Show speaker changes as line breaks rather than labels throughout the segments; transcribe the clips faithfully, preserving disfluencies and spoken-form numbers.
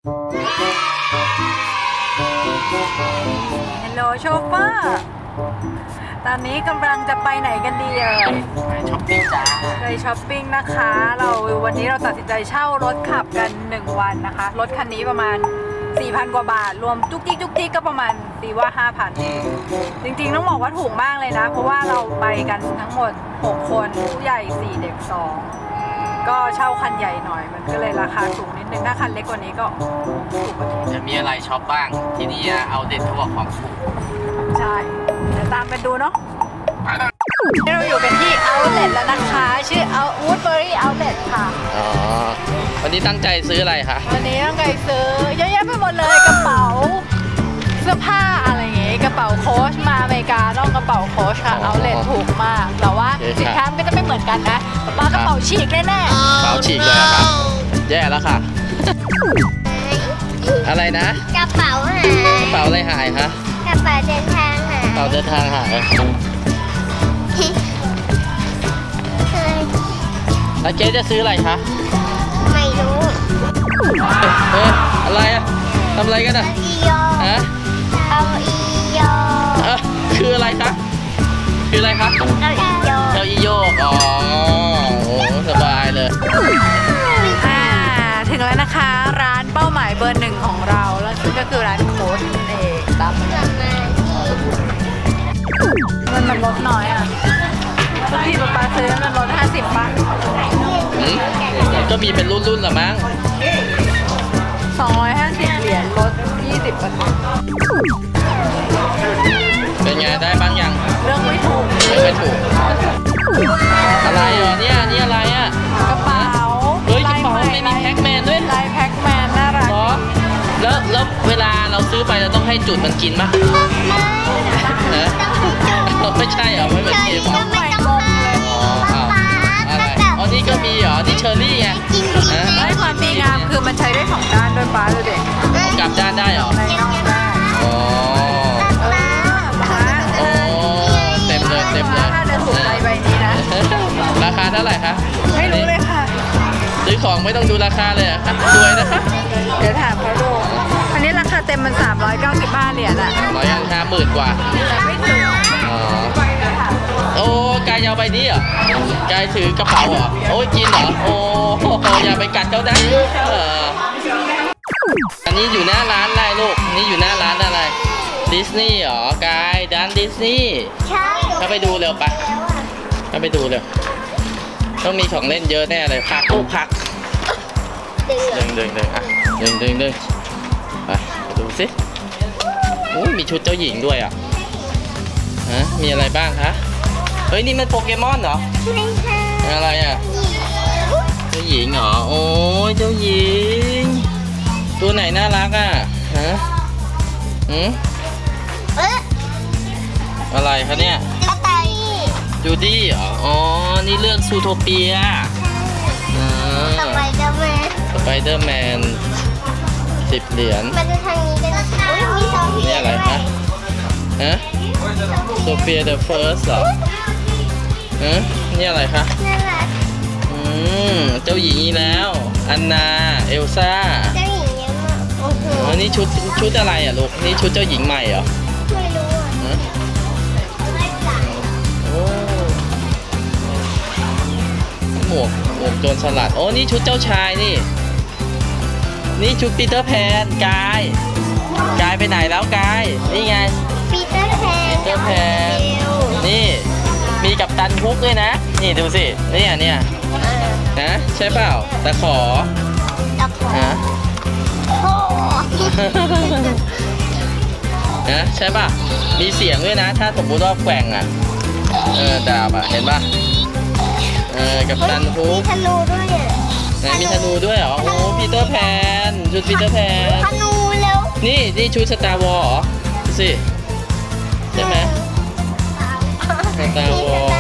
ฮัลโหลโชเฟอร์ ตอนนี้กำลังจะไปไหนกันดีเอ่ย
ไปช้อปปิ้งจ้า
ไปช้อปปิ้งนะคะ เราวันนี้เราตัดสินใจเช่ารถขับกันหนึ่งวันนะคะ รถคันนี้ประมาณ สี่พัน กว่าบาท รวมจุกจิกจุกจิกก็ประมาณตีว่า ห้าพัน จริงๆต้องบอกว่าถูกมากเลยนะ เพราะว่าเราไปกันทั้งหมด หก คนผู้ใหญ่ สี่ เด็ก สอง ก็เช่าคันใหญ่หน่อย มันก็เลยราคาสูงนิดนึง ถ้าคันเล็กกว่านี้ก็ถูกกว่านี้
จะมีอะไรช็อปบ้างที่นี่เอาเด็ดทั่วของถูก
ใช่เดี๋ยวตามกันดูเนาะนี่เราอยู่กันที่ Outlet แล้วนะคะ ชื่อ Out Woodbury Outlet ค่ะ
อ๋อวันนี้ตั้งใจซื้ออะไรคะ
วันนี้ต้องไปซื้อเยอะแยะไปหมดเลยกระเป๋าเสื้อผ้าอะไรอย่างงี้กระเป๋าโค้ชมาอเมริกาต้องกระเป๋าโค้ชค่ะ Outlet ถูกมากแต่ว่าสินค้ามันก็จะไม่เหมือนกันนะป้ากระเป๋าฉีกแน่ๆ
กระเป๋าฉีกเลยอะครับแย่แล้วค่ะ อะไรนะ
กระเป๋าหาย
กระเป๋าอะไรหายคะ
กระเป๋าเดินทางหาย
กระเป๋าเดินทางหายแล้วเจ๊จะซื้ออะไรคะ
ไม่รู้
เฮ้ยอะไรอะทำอะไรกันอะ
เอาอีโย
ฮะ
เอาอีโย
เออคืออะไรคะคืออะไรคะ
เอาอีโย
เก้าอี้โยกอ๋อโอ้สบายเลย
อ่าถึงแล้วนะคะร้านเป้าหมายเบอร์หนึ่งของเราแล้วซึ่งก็คือร้านโค้ชนั่นเองตามมามันมันลดน้อยอ่ะทุกทีป๊าป๊าซื้อมันลดห้าสิบป่ะ
อืมก็มีเป็นรุ่นๆเหรอมั้ง
สองร้อยห้าสิบเหรียญลดยี่สิบเปอร์เซ็นต์
เป็นไงได้บ้างยัง
เรื่องไม่ถูก
ไม่ไม่ถูก อะไรอ่ะเนี่ยนี่อะไรอ่ะ
กระเป๋า
เฮ้ยกระเป๋าไม่มีแพ็คแมนด้วย
ลายแพ็คแมนน่ารัก
เหรอแล้วแล้วเวลาเราซื้อไปเราต้องให้จุดมันกินป่ะฮะไม่ใช่เหรอไม่เหมือนเกมเหรอ
ไม่ต้องเลย
อ๋ออ้าวอะไรอ๋อนี่ก็มีเหรอนี่เชอร์รี่ไงฮะ
ได้ความดีงามคือมันใช้ได้สองด้านด้วยป้าดูเด็ก
กลับด้านได้เหรอ
ในนอกได้
อ๋อ
เออป้า
โอ้เต็มเลยเต็มเลย
ถ้าจะถูกใจใบนี้นะ
ราคาเท่าไหร่คะ
ไม่รู้เลยค่ะ
ซื้อของไม่ต้องดูราคาเลยเหรอคะรวยนะคะ
เดี๋ยวถามเขาดูอันนี้ราคาเต็มมันสามร้อยเก้าสิบห้าเหรียญอะ
ร้อยห้าหมื่นกว่า
แต่ไม่ถึง
อ๋อ
เดี๋ยวถาม
โอ้กายเอาใบนี้เหรอกายถือกระเป๋าเหรอ โอ้ยกินเหรอ โอ้อย่าไปกัดเขานะเอออันนี้อยู่หน้าร้านอะไรลูก นี่อยู่หน้าร้านอะไร ดิสนีย์เหรอกายร้านดิสนีย์
ใช่
เข้าไปดูเร็วปะเข้าไปดูเร็ว ต้องมีของเล่นเยอะแน่เลยพักลูกพัก
เดือ
ดึงดึงดึงอ่ะดึงดึงดึงไปไปดูสิอุ้ยมีชุดเจ้าหญิงด้วยอ่ะฮะมีอะไรบ้างคะเฮ้ยนี่มันโปเกมอนเหรอ
ไม่ใช่
อะไรอ่ะเจ้าหญิงเหรอโอ้ยเจ้าหญิง ตัวไหนน่ารักอ่ะฮะอืม
เอ๊ะ
อะไรคะเนี่ย
กระต่าย
จูดี้เหรออ๋อนี่เรื่องซูโทเปียอ่า
ต่อไปจะมา
สไปเดอร์แมนสิบเหรียญ
มันจะทางนี้กันอุ้ยมีซอมบี้
นี่อะไรคะฮะโซเฟียเดอะเฟิร์สเหรอฮะนี่อะไรคะ
น่ารัก
อืมเจ้าหญิงอีกแล้ว อันนา เอลซ่า
เจ้าหญิงเยอะมากโอ้โห
อ๋อนี่ชุดชุดอะไรอ่ะลูก นี่ชุดเจ้าหญิงใหม่เหรอ
ไม่รู้อ่ะ
ฮะ
ไม่จ่าย
โอ้หมวกหมวกโจรสลัด โอ้นี่ชุดเจ้าชายนี่ นี่ชุดปีเตอร์แพนกาย กายไปไหนแล้วกาย นี่ไง
ปีเตอร์แพน
ปีเตอร์แพน นี่มีกับตันฮุกด้วยนะ นี่ดูสิเนี่ยเนี่ยนะใช่เปล่าตะขอ
ตะขอ
ฮะ
โอ้
นะใช่ป่ะมีเสียงด้วยนะ ถ้าสมมุติว่าแกว่งอ่ะเออดาบอ่ะเห็นป่ะเออกับตันฮุ
มี
ก
ธนูด้วยอ่ะ
ไหนมีธนูด้วยเหรอโอ้ปีเตอร์แพนชุดปีเตอร์แพน
ธนูเร็ว
นี่นี่ชุดสตาร์วอลเหรอดูสิใช่ไหม สตาร์วอล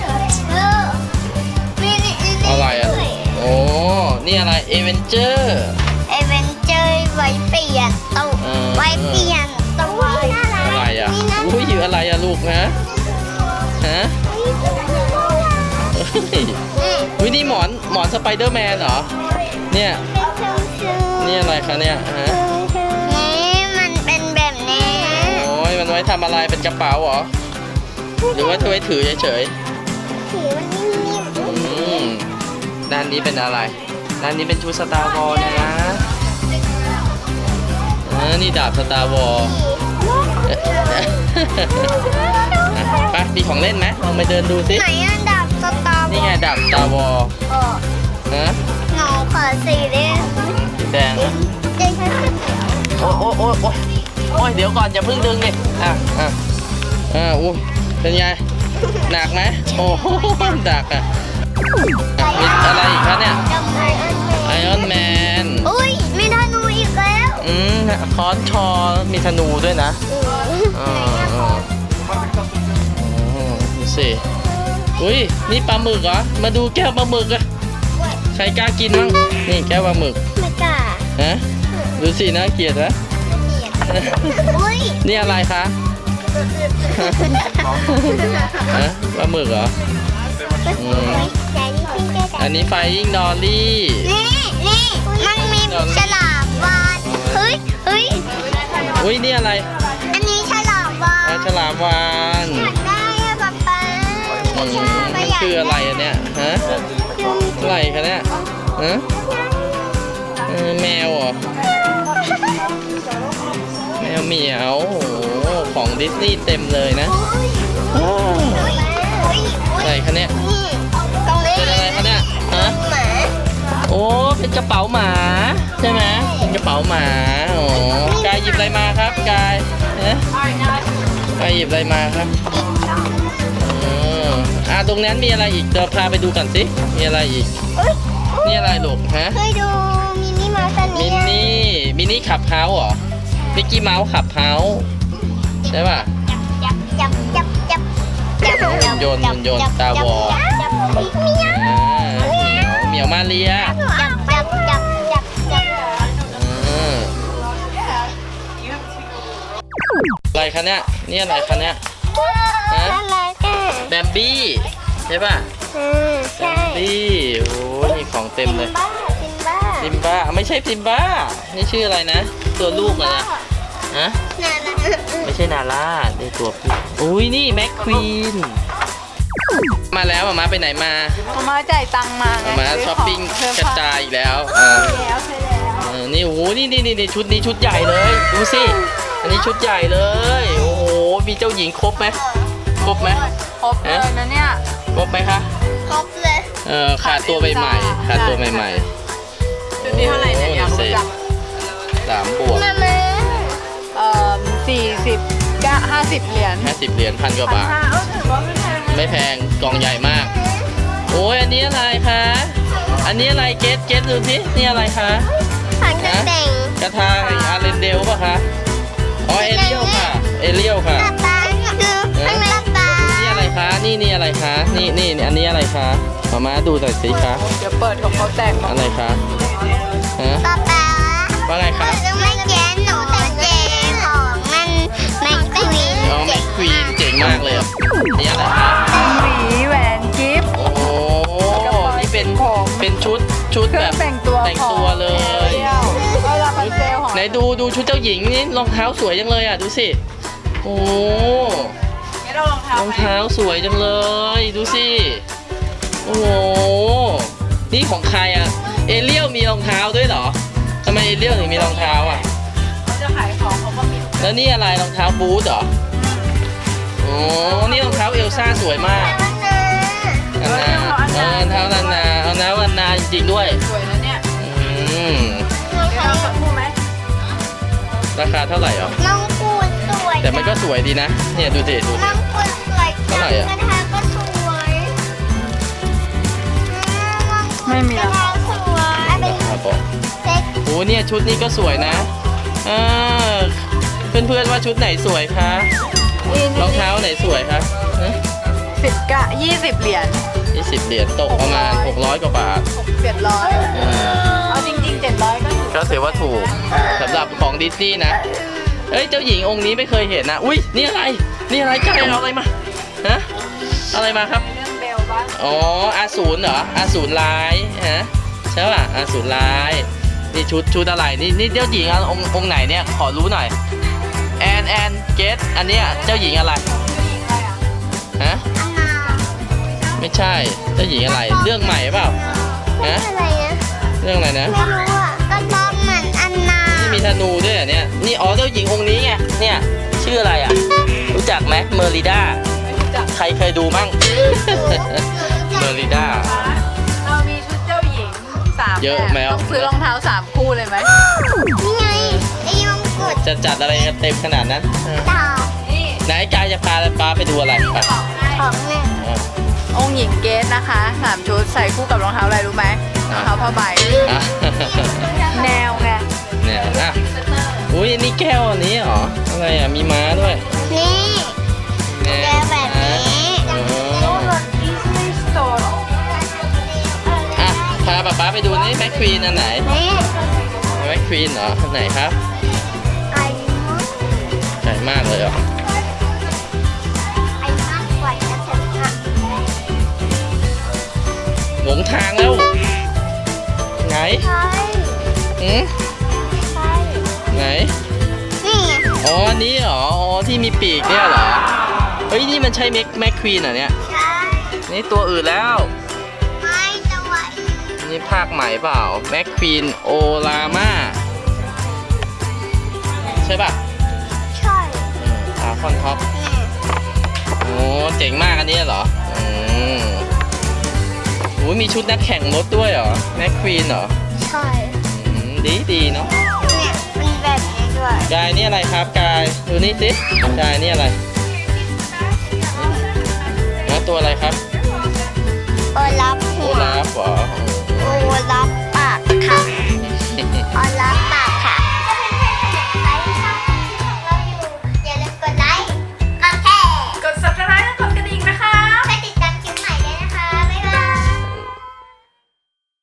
อะไรอ่ะ โอ้ นี่อะไร เอเวนเจอร์
เอเวนเจอร์ไว้เปลี่ยนตัว
เออ
ไว้เปลี่ยนตัวน่ารัก
อะไรอ่ะ
นี่นะ
อุ้ยอยู่อะไรอ่ะลูกนะฮะเฮ้ย
นี่
อุ้ยนี่หมอนหมอนสไปเดอร์แมนเหรอ เนี่ย
เป็นชุ่ม
นี่อะไรคะเนี่ยฮะ
นี่มันเป็นแบบนี้
โอ้ยมันไว้ทำอะไรเป็นกระเป๋าเหรอหรือว่าจะไว้ถือเฉย
ถือมันนิ่ม
ๆอืมด้านนี้เป็นอะไรด้านนี้เป็นชุดสตาร์วอลนะเออนี่ดาบสตาร์วอล ไปมีของเล่นไหมลองไปเดินดูสิ
ไหนอันดับสตาร์
นี่ไงดาบสตาร์วอล
เออ
นะ
หนูขอสีดิ
สีแดงนะ
เจ๊ค่ะ
โอ้โอ้โอ้โอ้โอ้ยเดี๋ยวก่อนอย่าเพิ่งดึงดิอ่ะอ่ะอ่าอู้เป็นไงหนักไหมโอ้โหหนักอ่ะอ่ะมีอะไรอีกคะเนี่ย
จำไออัน
ไอออนแมน
อุ้ยมีธนูอีกแล้ว
อืมค้อนชอมีธนูด้วยนะอ่าอ่าอืมดูสิอุ้ยนี่ปลาหมึกเหรอมาดูแก้วปลาหมึกอะใครกล้ากินบ้างนี่แก้วปลาหมึก
ไม่กล้า
ฮะดูสิน่าเกลียดนะ
อุ้ย
นี่อะไรคะฮะปลาหมึกเหรออืมอันนี้ไฟยิงดอลลี่
นี่นี่มันมีฉลามวานเฮ้ยเฮ้ย
อุ้ยนี่อะไร
อันนี้ฉลามวา
ปลาน ฉลามวาน
อยากได้อะป๊าป๊า
อืมมันคืออะไรอันเนี้ยฮะอะไรคะเนี่ยฮะเออแมวเหรอแมวเหมียวโอ้โหของดิสนีย์เต็มเลยนะอ้าว
อุ้ยอุ้ย
อะไรคะเนี่ย
นี่ตรงนี้
เป็นอะไรคะเนี่ยฮะ
หมา
โอ้เป็นกระเป๋าหมาใช่ไหมเป็นกระเป๋าหมาโอ้กายหยิบอะไรมาครับกายฮะกายหยิบอะไรมาครับเอออ่าตรงนั้นมีอะไรอีกเดี๋ยวพาไปดูกันสิมีอะไรอีก
อุ้ย
นี่อะไรลูกฮะ
เคยดูมินิมาสัน
มิ
นี่
นนี่มินนี่ขับเฮาส์เหรอมิกกี้เมาส์ขับเฮาส์ใช่ป่ะ
จับจับจับจับจับจับ
โยนโยน Star Wars
จับเมีย
อ่าเหมียวเหมียวมาเรีย
จับจับจับจับจับ
อืมอะไรคะเนี่ยนี่อะไรคะเนี่ย ฮะ
อะไรกัน
แบมบี้ใช่ป่ะ
อืม
แบ
ใช่
มบี้โอ้ยมีของเต็มเลย
บ้าซิมบ้า
ซิมบ้าไม่ใช่ซิมบ้านี่ชื่ออะไรนะ ตัวลูกเหรอเนี่ยฮะ
นั่นน่ะ
ไม่ใช่นาร่าในตัวพี่อุ้ยนี่แม็กควีนมาแล้วมามาไปไหนมา
มามาจ่ายตังค์มาไง
มามา
ซื้
ช้อปปิ้ง
ขเพิ่ม
กระจายอีกแล้วเออ
แล้วใช่แล้ว
เออนี่โอ้โหนี่นี่นี่ชุดนี้ชุดใหญ่เลย ดูสิ อันนี้ชุดใหญ่เลย โอ้โห มีเจ้าหญิงครบไหมครบไหม
ครบเลยนะเนี่ย
ครบไหมคะ
ครบเลย
เออขาดตัวใหม่ๆขาดตัวใหม่ๆ
ชุดนี้เท่าไหร่เนี่ยอยากรู้จัง
สามบวก
มามา
เอ่อสี่สิบก็ห้าสิบเหรียญ
ห้าสิบเหรียญพันกว่า
พัน
บาท
ห้าเออถือว่าไม่แพงนะ
ไม่แพงกล่องใหญ่มาก โอ้ยอันนี้อะไรคะ อันนี้อะไรเกสเกสดูสินี่อะไรคะ
ผันจะแต่ง
กระทาแห่งอาร์เรนเดลป่ะคะ อ๋อเอเรียลค่ะ เอเรียลค่ะ
ตาตาคือข้างในตา
นี่อะไรคะ นี่นี่อะไรคะ นี่นี่อันนี้อะไรคะมามาดูหน่อยสิคะ
เดี๋ยวเปิดของเขาแตกมา
อะไรคะฮะ
ตาตา
ว่าไงคะ
จะไม่แย้หนูแต่เจของมันแม็กซ์วีน
อ๋อแม็กควีนเจ๋งมากเลยอ่ะนี่อะไรคะ
หวีแหวนกิฟต์
โอ้นี่เป็น
ผม
เป็นชุดชุด
เครื่
แบ
อง
บ
แต่งตัว
แต่งตัวเลย
เวลาคอนเซลของ
ไหนดูดูชุดเจ้าหญิงนี่รองเท้าสวยจังเลยอ่ะดูสิ โอ้
นี่เราลองเท้าร
อง
ไหม
เท้าสวยจังเลย ดูสิ โอ้โห นี่ของใครอ่ะ เอเรียลมีรองเท้าด้วยเหรอทำไมเอเรียลถึงมีรองเท้าอ่ะ
เขาจะขายของเขาก็มี
แล้วนี่อะไรรองเท้าบูทเหรอโอ้นี่รองเท้าเอลซ่าสวยมากนานาเออรองเท้านานาเอาน้านานาจริงๆด้วย
สวยนะเนี่ย
อืม
เดี๋ยวเราสักครู่ไหม
ราคาเท่าไหร่อ่ะ
น้องกูดสวย
แต่มันก็สวยดีนะ เนี่ยดูสิดูสิ
น้องกูดสวย
เท่าไหร่อะ
กระทะก็สวย
ไม่มี
กระ
แล้ว
ทะสวยเป็น
ครับผม
เซ็ต
โอ้เนี่ยชุดนี้ก็สวยนะอ่าเพื่อนๆว่าชุดไหนสวยคะรองเท้าไหนสวยคะ
สิบกะยี่สิบเหรียญ
ยี่สิบเหรียญตกประมาณหกร้อยกว่าบาท
หกเจ็ดร้อย
อ่า
เอาจริงๆเจ็ดร้อยก็ถือ
ก็ถือว่าถูกสำหรับของดิสนีย์นะ เอ้ยเจ้าหญิงองค์นี้ไม่เคยเห็นนะ อุ้ยนี่อะไร นี่อะไรใกล้เอาอะไรมา ฮะ อะไรมาครับ
เรื่องเบลบ้าง
อ๋ออาสูรเหรออาสูรร้ายฮะใช่ป่ะอาสูรร้ายนี่ชุดชุดอะไรนี่นี่เจ้าหญิงอะองค์องค์ไหนเนี่ยขอรู้หน่อยแอนแอนเกตอันเนี้ยเจ้าหญิงอะไรฮะ
อันนา
ไม่ใช่เจ้าหญิงอะไรเรื่องใหม่เปล่าฮะ
อะไรนะ
เรื่องอะไรนะ
ไม่รู้อ่ะก็ชอบเหมือนอันนา
นี่มีธนูด้วยเหรอเนี่ยนี่อ๋อเจ้าหญิงองค์นี้ไงเนี่ยชื่ออะไรอ่ะรู้จักไหมเมอริด้า
ไม่รู้จัก
ใครเคยดูมั่ง เมอริด้า
เรามีชุดเจ้าหญิงสาม
เยอะ
แบบ
แล้ว
ต้องซื้อรองเท้าสามคู่เลยไหม
นี่ไงไอ้ยงกุฎ
จะจัดอะไรกันเต็มขนาดนั้นเออ
ดาว
นี่
ไหนกายจะพาป้าไปดูอะไรไป
ของหนึ่ง
อ่ะ
องค์หญิงเกสนะคะสามชุดใส่คู่กับรองเท้าอะไรรู้ไหมรองเท้าผ้าใบ
อ่ะ
แนวไง
เนี่ยอ่ะอุ้ยนี่แก้วอันนี้เหรออะไรอ่ะมีม้าด้วย
นี่
แน่
แก้วแบบนี้
อ๋อ
ดิสนีย์สโตร์
อ่ะพาป้าไปดูนี่แม็กควีนอันไหน
นี่
แม็กควีนเหรออันไหนครับ
ไอ้มด
ใหญ่มากเลยเหรอ
ไอ้มากกว่าจะถึงอ่ะ
หลงทางแล้วไหน
ใช่
อืม
ใช่
ไหน
นี่ไง
อ๋ออันนี้เหรออ๋อที่มีปีกเนี่ยเหรอเฮ้ยนี่มันใช่แม็กแม็กควีนเหรอเนี่ย
ใช่
นี่ตัวอื่นแล้ว
ไม่จะไหว
นี่ภาคใหม่เปล่าแม็กควีนโอลาม่าใช่ป่ะ
ใช่
อาคอนท็อป
นี่
โอ้เจ๋งมากอันนี้เหรออืมโอ้ยมีชุดนักแข่งรถด้วยเหรอแม็กควีนเหรอ
ใช่
อืมดีดีเนาะ
เนี่ยเป็นแบบนี้ด้วย
กายนี่อะไรครับกายดูนี่สิกายนี่อะไรแล้วตัวอะไรครับ
โอลับ
โอ
หัว
ลาฟเหรอ
โอลับปากค่ะโอลับป